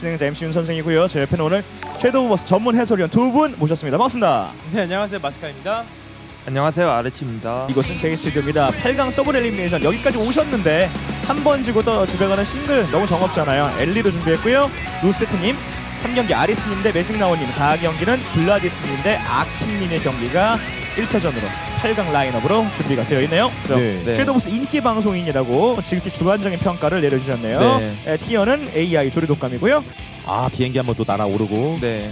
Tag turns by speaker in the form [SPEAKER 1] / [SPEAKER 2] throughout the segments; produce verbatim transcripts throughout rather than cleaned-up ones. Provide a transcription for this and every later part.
[SPEAKER 1] 진행자 엠씨 윤 선생이고요. 제 옆에는 오늘 섀도우 버스 전문 해설위원 두 분 모셨습니다. 반갑습니다.
[SPEAKER 2] 네, 안녕하세요. 마스카입니다.
[SPEAKER 3] 안녕하세요, 아르치입니다.
[SPEAKER 1] 이곳은 제이 스튜디오입니다. 팔 강 더블 엘리미네이션 여기까지 오셨는데 한 번 지고 또 집에 가는 싱글 너무 정없잖아요. 엘리로 준비했고요. 루세트님 삼 경기 아리스님 대 매직나오님, 사 경기는 블라디스님 대 아킹님의 경기가 일 차전으로 팔 강 라인업으로 준비가 되어 있네요.
[SPEAKER 2] 네.
[SPEAKER 3] 네.
[SPEAKER 1] 섀도우버스 인기 방송인이라고 지극히 주관적인 평가를 내려주셨네요.
[SPEAKER 3] 네.
[SPEAKER 1] 에, 티어는 에이아이 조리독감이고요.
[SPEAKER 2] 아, 비행기 한번 또 날아오르고.
[SPEAKER 3] 네.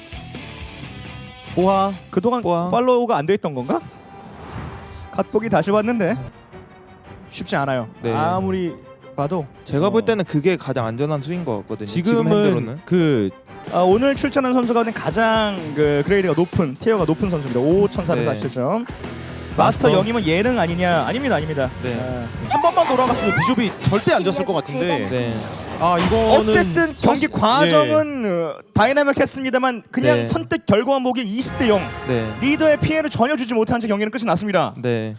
[SPEAKER 2] 뽀하.
[SPEAKER 1] 그동안
[SPEAKER 3] 뽀아.
[SPEAKER 1] 팔로우가 안 돼 있던 건가? 갓보기 다시 봤는데 쉽지 않아요.
[SPEAKER 3] 네.
[SPEAKER 1] 아무리 봐도
[SPEAKER 3] 제가
[SPEAKER 1] 어.
[SPEAKER 3] 볼 때는 그게 가장 안전한 수인 것 같거든요. 지금
[SPEAKER 2] 지금은
[SPEAKER 3] 핸드로는.
[SPEAKER 2] 그
[SPEAKER 1] 아, 오늘 출전한 선수 가운데 가장 그 그레이드가 높은 티어가 높은 선수입니다. 오천사백사십칠 점. 마스터
[SPEAKER 2] 마스터.
[SPEAKER 1] 영임은 예능 아니냐? 아닙니다, 아닙니다.
[SPEAKER 3] 네.
[SPEAKER 1] 아,
[SPEAKER 2] 한 번만 돌아갔으면 비숍이 절대 안 졌을 것 같은데.
[SPEAKER 3] 네.
[SPEAKER 2] 아, 이거는
[SPEAKER 1] 어쨌든 경기
[SPEAKER 2] 사실-
[SPEAKER 1] 과정은 어, 다이나믹했습니다.만 그냥
[SPEAKER 3] 네.
[SPEAKER 1] 선택 결과만 보기 이십 대 영.
[SPEAKER 3] 네.
[SPEAKER 1] 리더의 피해를 전혀 주지 못한 채 경기는 끝이 났습니다.
[SPEAKER 3] 네.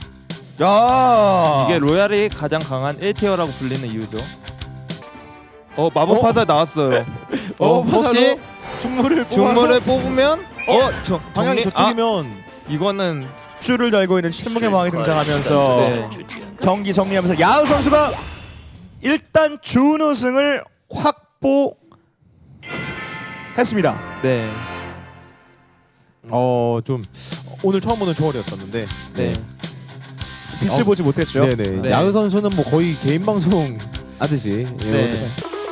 [SPEAKER 1] 야,
[SPEAKER 3] 이게 로얄이 가장 강한 일 티어라고 불리는 이유죠. 어, 마법 화살 나왔어요.
[SPEAKER 2] 어,
[SPEAKER 3] 혹시
[SPEAKER 2] 혹시 중물을
[SPEAKER 3] 중물을 뽑으면 어, 저
[SPEAKER 2] 방향이
[SPEAKER 3] 정리-
[SPEAKER 2] 저쪽이면
[SPEAKER 3] 아, 이거는
[SPEAKER 1] 줄을 달고 있는 침묵의 왕이 등장하면서
[SPEAKER 3] 네.
[SPEAKER 1] 경기 정리하면서 야우 선수가 일단 준우승을 확보했습니다.
[SPEAKER 3] 네.
[SPEAKER 2] 어, 좀 오늘 처음 보는 초월이었었는데.
[SPEAKER 3] 네.
[SPEAKER 1] 빛을
[SPEAKER 2] 어,
[SPEAKER 1] 보지 못했죠.
[SPEAKER 2] 네네.
[SPEAKER 3] 네.
[SPEAKER 2] 야구 선수는 뭐 거의 개인 방송 하듯이. 예,
[SPEAKER 3] 네.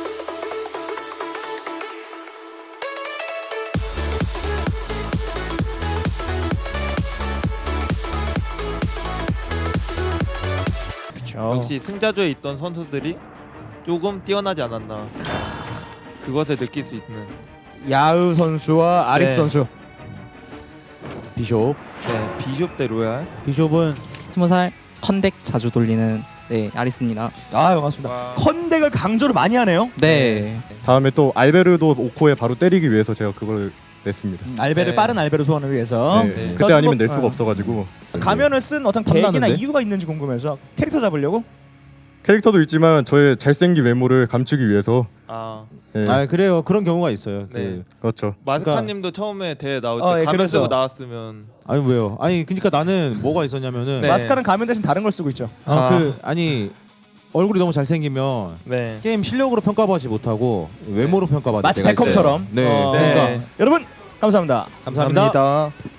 [SPEAKER 1] 그렇죠.
[SPEAKER 3] 역시 승자조에 있던 선수들이 조금 뛰어나지 않았나. 그것을 느낄 수 있는.
[SPEAKER 1] 야우 선수와 아리스
[SPEAKER 3] 네.
[SPEAKER 1] 선수.
[SPEAKER 2] 비숍.
[SPEAKER 3] 네. 비숍 대 로얄.
[SPEAKER 2] 비숍은
[SPEAKER 4] 스무 살 컨덱 자주 돌리는 네 아리스입니다.
[SPEAKER 1] 아, 반갑습니다.
[SPEAKER 3] 와.
[SPEAKER 1] 컨덱을 강조를 많이 하네요.
[SPEAKER 4] 네.
[SPEAKER 5] 다음에 또 알베르도 오코에 바로 때리기 위해서 제가 그걸 냈습니다.
[SPEAKER 1] 알베르
[SPEAKER 3] 네.
[SPEAKER 1] 빠른 알베르 소환을 위해서
[SPEAKER 5] 네,
[SPEAKER 3] 네.
[SPEAKER 5] 그때 아니면 낼
[SPEAKER 1] 어.
[SPEAKER 5] 수가 없어가지고
[SPEAKER 1] 가면을 쓴 어떤 계기나
[SPEAKER 2] 탐나는데?
[SPEAKER 1] 이유가 있는지 궁금해서 캐릭터 잡으려고.
[SPEAKER 5] 캐릭터도 있지만 저의 잘생긴 외모를 감추기 위해서
[SPEAKER 3] 아.
[SPEAKER 5] 네,
[SPEAKER 2] 아, 그래요. 그런 경우가 있어요.
[SPEAKER 3] 네.
[SPEAKER 2] 그
[SPEAKER 5] 그렇죠.
[SPEAKER 3] 마스카님도 처음에 대회 나올 때
[SPEAKER 1] 어, 예,
[SPEAKER 3] 가면
[SPEAKER 1] 그래서.
[SPEAKER 3] 쓰고 나왔으면
[SPEAKER 2] 아니 왜요? 아니 그러니까 나는 뭐가 있었냐면은
[SPEAKER 3] 네.
[SPEAKER 1] 마스카는 가면 대신 다른 걸 쓰고 있죠.
[SPEAKER 2] 아,
[SPEAKER 3] 아.
[SPEAKER 2] 그 아니 얼굴이 너무 잘생기면
[SPEAKER 3] 네.
[SPEAKER 2] 게임 실력으로 평가받지 못하고 외모로 평가받을
[SPEAKER 1] 마치
[SPEAKER 2] 때가 있어요.
[SPEAKER 1] 베컴처럼.
[SPEAKER 2] 네.
[SPEAKER 1] 어,
[SPEAKER 2] 그러니까
[SPEAKER 3] 네.
[SPEAKER 1] 여러분 감사합니다.
[SPEAKER 2] 감사합니다.
[SPEAKER 3] 감사합니다.